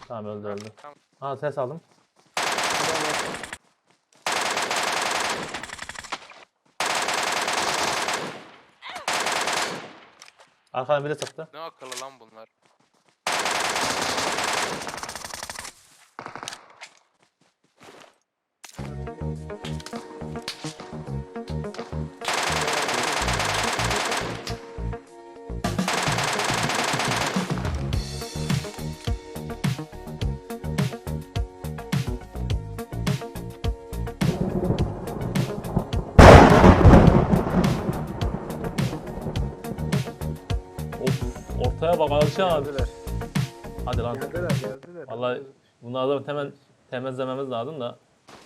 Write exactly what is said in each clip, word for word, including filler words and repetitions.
Tamam öldü öldü. Tamam. Ha ses aldım. Arkadan biri sıktı. Ne akıllı lan bunlar. Of ortaya bak alışamadım. Geldiler. Hadi lan. Geldiler geldiler. Vallahi bunları da hemen temizlememiz lazım da.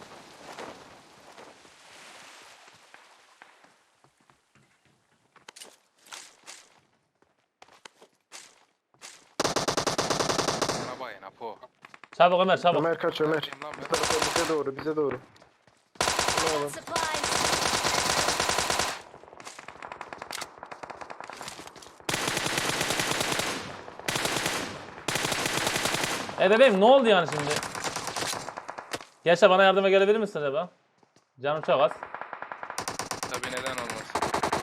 Bana bayın Apo. Çabuk Ömer çabuk. Ömer kaç Ömer. Kim lan Bu ben? tarafa bize doğru bize doğru. Ne oğlum? Supplies. E bebeğim ne oldu yani şimdi? Gençler bana yardıma gelebilir misin acaba? Canım çok az. Tabii neden olmasın.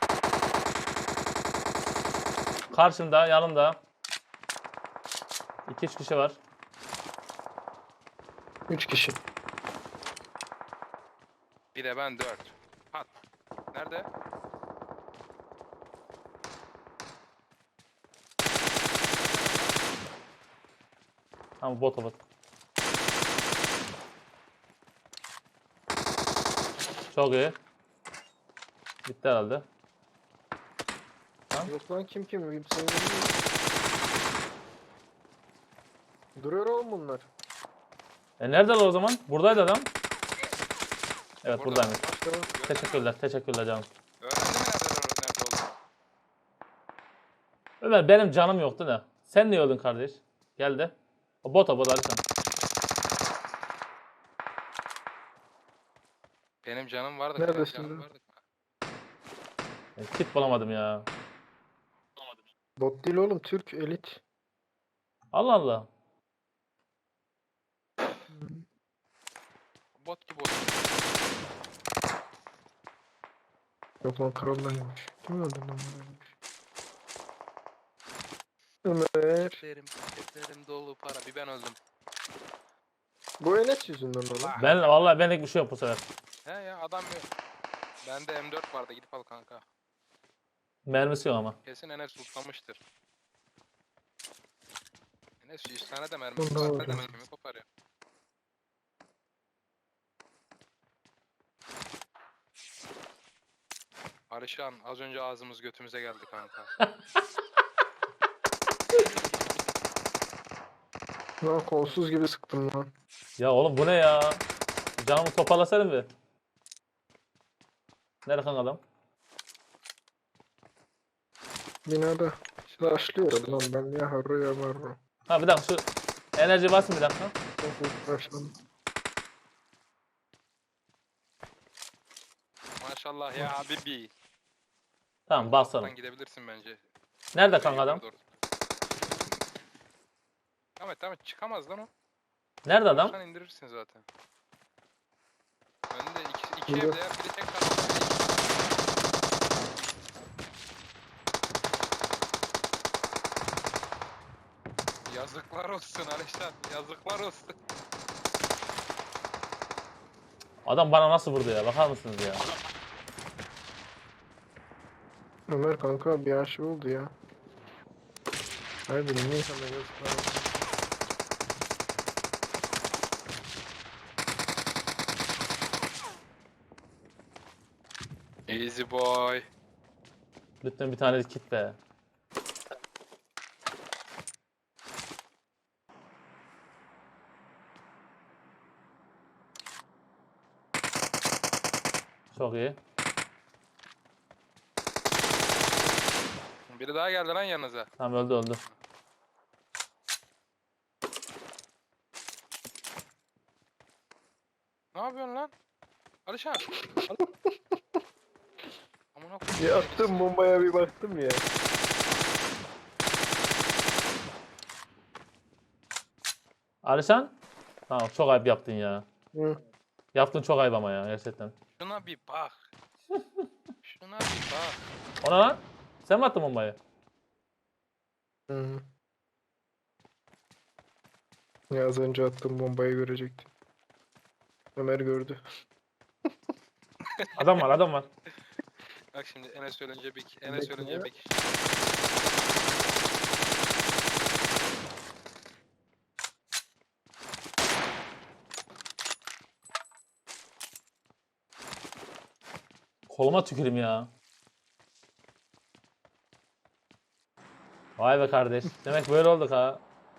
Karşımda, yanımda. iki üç kişi var. Üç kişi. Bir de ben dört. Pat. Nerede? Tamam bot bot. Çok iyi. Bitti herhalde. Yok lan kim kim? Bir sayı değil. Duruyor oğlum bunlar. E neredeler o zaman? Buradaydı adam. Evet Burada. buradaymış. İşte bak. Gördün mü? Teşekkürler, teşekkürler canım. Öğrendin mi nerede, nerede olduğunu? Ömer benim canım yoktu da. Sen niye öldün kardeş? Gel de. O bot o bot hadi sen. Benim canım vardı. Neredesin benim canım lan? vardı. E, kit bulamadım ya. Bot değil oğlum Türk elit. Allah Allah. Bot gibi oldu. Yok lan krallaymış. Kim öldü lan böyle? Ömer. Ceplerim, ceplerim dolu para. Bir ben öldüm. Bu Enes yüzünden oğlum. Ben vallahi benlik bir şey yok bu sefer. He ya adam yok. Bende M dört vardı, gidip al kanka. Mermisi yok ama. Kesin Enes tutlamıştır. Enes yüz tane de mermi Bunda var. var Ne ya. mermi koparıyor. Arışan az önce ağzımız götümüze geldi kanka. Lan kolsuz gibi sıktım lan. Ya oğlum bu ne ya? Canımı toparlasana bir. Nerede kan adam? Binada. Başlıyorum lan ben ya harro ya marro. Ha bir dakika şu enerji basın bir dakika. Başladım. Maşallah ya Habibi. Tamam basalım. Sen gidebilirsin bence. Nerede kanka adam? Doğru. Tamam tamam çıkamaz lan o. Nerede adam? Sen indirirsin zaten. Önünde iki, iki Burada. evde ya, biri tek kaldı. Yazıklar olsun Alişan, yazıklar olsun. Adam bana nasıl vurdu ya? Bakar mısınız ya? Ömer kanka bir aşı oldu ya. Hayır niye sana yazıklar olsun. Easy boy. Lütfen bir tane kit be. Çok iyi. Biri daha geldi lan yanınıza. Tamam öldü öldü. Ne yapıyorsun lan? Alişan. Amına koyayım. Bir attım bombaya bir baktım ya. Alişan? Tamam çok ayıp yaptın ya. Hı. Yaptın çok ayıp ama ya gerçekten. Şuna bir bak. Şuna bir bak. Ona lan? Sen mi attın bombayı? Hı. Ya az önce attığım bombayı görecektim. Ömer gördü. Adam var adam var. Bak şimdi Enes ölünce bir Enes Bekle. ölünce bir kişi. Koluma tükürüm ya. Vay be kardeş. Demek böyle olduk ha.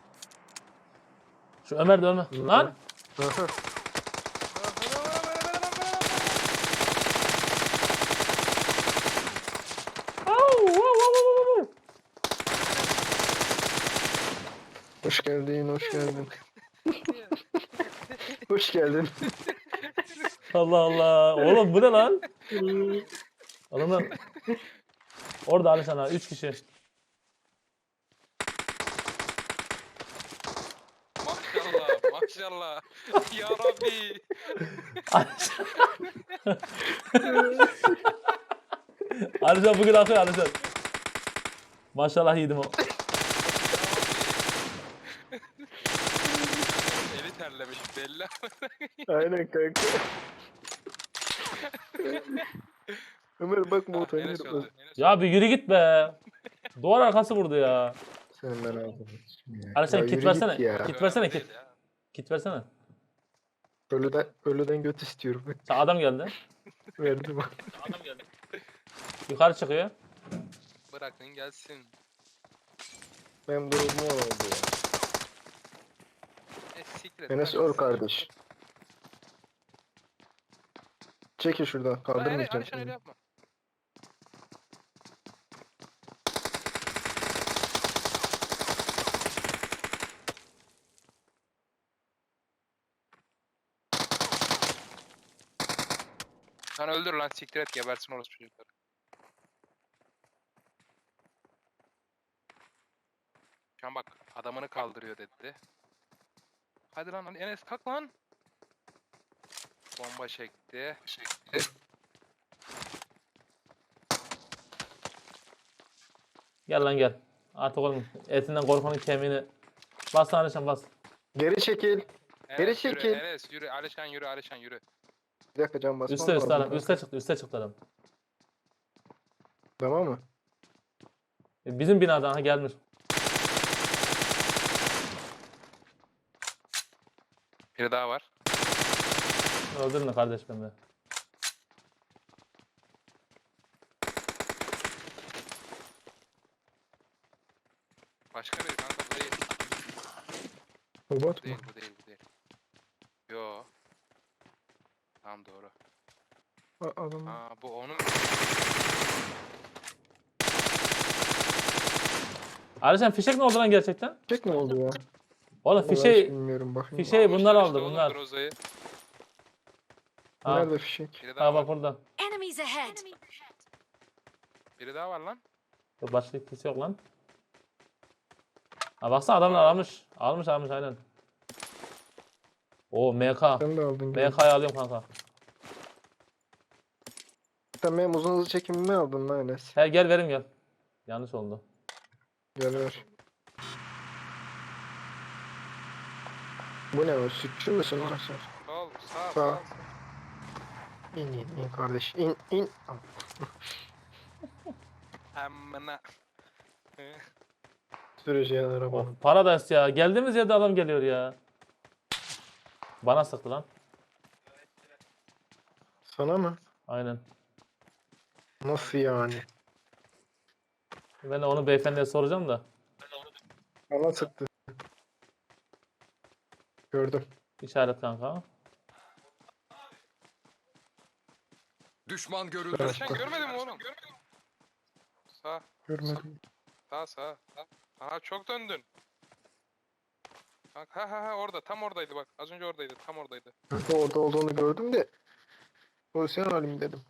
Şu Ömer de ölme. Hı. Lan! Aha. Au, au, au, au, au. Hoş geldin, hoş geldin. Hoş geldin. Allah Allah. Oğlum bu ne lan? Adamlar. Orada Alişan ha. Üç kişi. Maşallah maşallah. Ya Rabbi. Alişan. Alişan bugün akıyor Alişan. Maşallah yedim o. Eli terlemiş belli. Aynen kanka. Ömer bak Ah, motor Enes öldü. Enes Ya bir yürü git be. Duvar arkası vurdu ya. Sen ben aldım. Alişan Ya kit yürü versene. git ya. Kit öldü. versene Önemli kit. değil ya. Kit versene. Ölüden, ölüden göt istiyorum. Sen adam geldi. Verdim. Adam geldi. Yukarı çıkıyor. Bırakın gelsin. Benim durumum oldu ya. E, siktir et, Enes ben öl sizi- kardeş. Çekil şuradan. Aa, Enes, Kaldırmayacağım Alişan öyle seni. yapma. Lan öldür lan siktir et gebersin orası çocukları. Şu an bak adamını kaldırıyor dedi. Hadi lan Enes kalk lan. Bomba çekti. Gel lan gel. Artık oğlum etinden korkanın kemiğini. Bas lan Alişan bas. Geri çekil. Geri Enes yürü, çekil. Enes yürü, Alişan yürü, Alişan yürü. Bir dakika can basmam Üste üste lazım. adam. Üste çıktı üste çıktı adam. Tamam mı? E, Bizim binadan ha gelmiş. Biri daha var. Öldürme kardeş beni. de. Başka biri kanka bu değil. Robot Bu mu? değil, bu değil, bu değil. Yo. Tamam doğru. A- Adam. Aa bu onun. Alişan fişek ne oldu lan gerçekten? Çek ne oldu ya? Oğlum Vallahi hiç fişeği. bilmiyorum bakayım. fişeği bunlar Almışlar işte aldı oğlum bunlar. Groza'yı. Ha, Nerede fişek? Biri daha ha var. bak burada. Enemies ahead! Biri daha var lan. Dur, başka kimse yok lan. Ha baksana adamlar almış. Almış almış aynen. Oo M K. Sen de aldın. gel. M K'yı alıyorum kanka. Sen benim uzun hızlı çekimimi aldın lan Enes. He gel verim gel. Yanlış oldu. Gel ver. Bu ne o? Sütçü müsün lan sen? Sol, sağ, Sağ. sağ. İn in in kardeş. İn in. Amına. Süreceğin arabanın. Of Paradise ya. Geldiğimiz yerde adam geliyor ya. Bana sıktı lan. Sana mı? Aynen. Nasıl yani? Ben de onu beyefendiye soracağım da. Bana sıktı. Gördüm. İşaret kanka. Düşman görüldü. Evet. Sen görmedin mi oğlum? Sağ, Görmedim. sağ, sağ. Aha çok döndün. Bak ha ha ha orada tam oradaydı bak. Az önce oradaydı tam oradaydı. Orada olduğunu gördüm de. Pozisyon alayım dedim.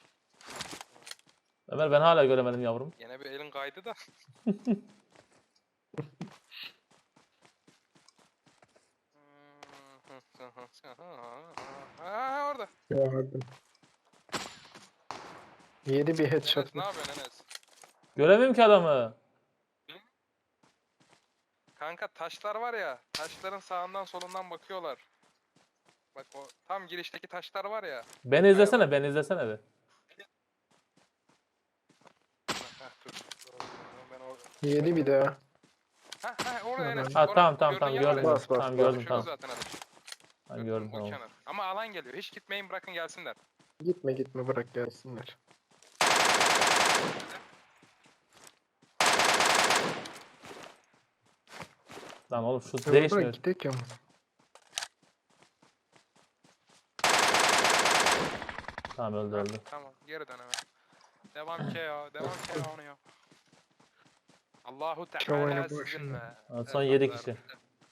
Ömer ben hala göremedim yavrum. Yine bir elin kaydı da. Ha, ha, ha, orada. Gördüm. Yedi bir headshot. Enes ne yapıyorsun Enes? Göremiyorum ki adamı. Kanka taşlar var ya, taşların sağından solundan bakıyorlar. Bak o tam girişteki taşlar var ya. Beni izlesene, beni izlesene bir. Heh, dur. Ben o... Yedi bir daha. Ha ha orada Enes. Ha Orada. tamam tamam Gördün tamam ya gördüm. orayı. Bas, bas, Tamam bas. gördüm Şurada tamam. zaten ateş. Tamam Gördün mü? gördüm O tamam. kenar. Ama alan geliyor. Hiç gitmeyin, bırakın gelsinler. Gitme gitme bırak gelsinler. Lan oğlum şu Ya bırak değişmiyor. gidek ya. Tamam öldü Ha, öldü. tamam geri dön hemen. Devam ki ya. Devam ki ya onu ya. Allahu Çavayla Teala başında. sizinle. Evet, son yedi evlatlar. kişi.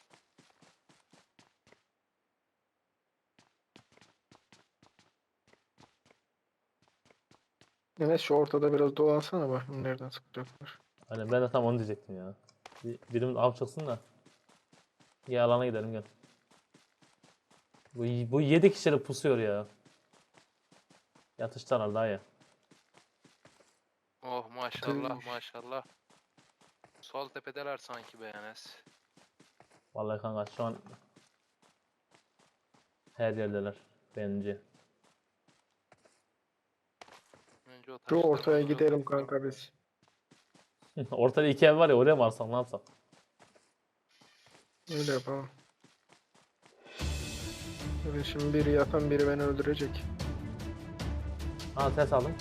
Enes şu ortada biraz dolansana bakayım nereden sıkacaklar. Hani ben de tam onu diyecektim ya. Bir, birimiz av çıksın da. Ya alana gidelim gel. Bu, bu yedi kişi de pusuyor ya. Yatıştılar daha ya. Oh maşallah Tüş. maşallah. Sol tepedeler sanki be Enes. Vallahi kanka şu an her yerdeler bence. Önce o Şu taşları ortaya vuralım. gidelim kanka biz. Ortada iki ev var ya oraya mı alsak ne yapsak? Öyle yapalım. Evet, şimdi biri yatan biri beni öldürecek. Ha ses aldım.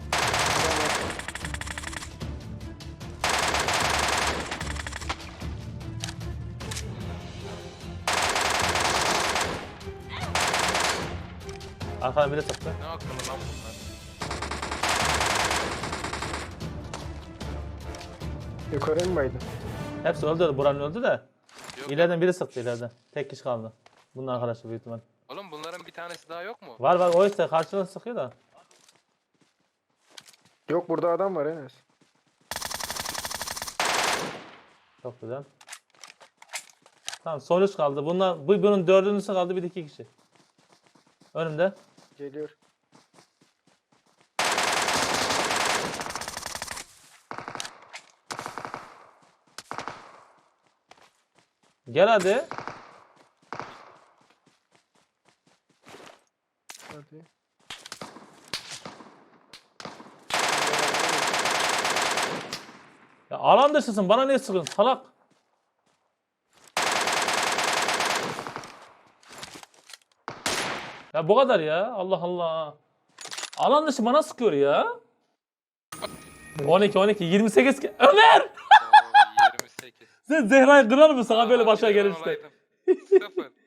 Arkadan biri sıktı. Ne akıllı lan bunlar. Yukarı mı baydın? Hepsi öldü. Buranın öldü de. Yok, İleriden biri sıktı ileriden. Tek kişi kaldı. Bunun arkadaşı büyük ihtimal. oğlum bunların bir tanesi daha yok mu? Var var o işte karşıdan sıkıyor da. Yok burada adam var Enes. Çok güzel. Tamam son üç kaldı. Bunlar, bu bunun dördüncüsü kaldı bir de iki kişi. Önümde. Geliyor. Gel hadi. Hadi. Ya alan dışısın bana niye sıkıyorsun salak? Ya bu kadar ya. Allah Allah. Alan dışı bana sıkıyor ya. on iki on iki yirmi sekiz ki- Ömer! Oo, yirmi sekiz. Sen Zehra'yı kırar mısın ha böyle Aa, başa bir de ben gelirse? olaydım. Sıfır.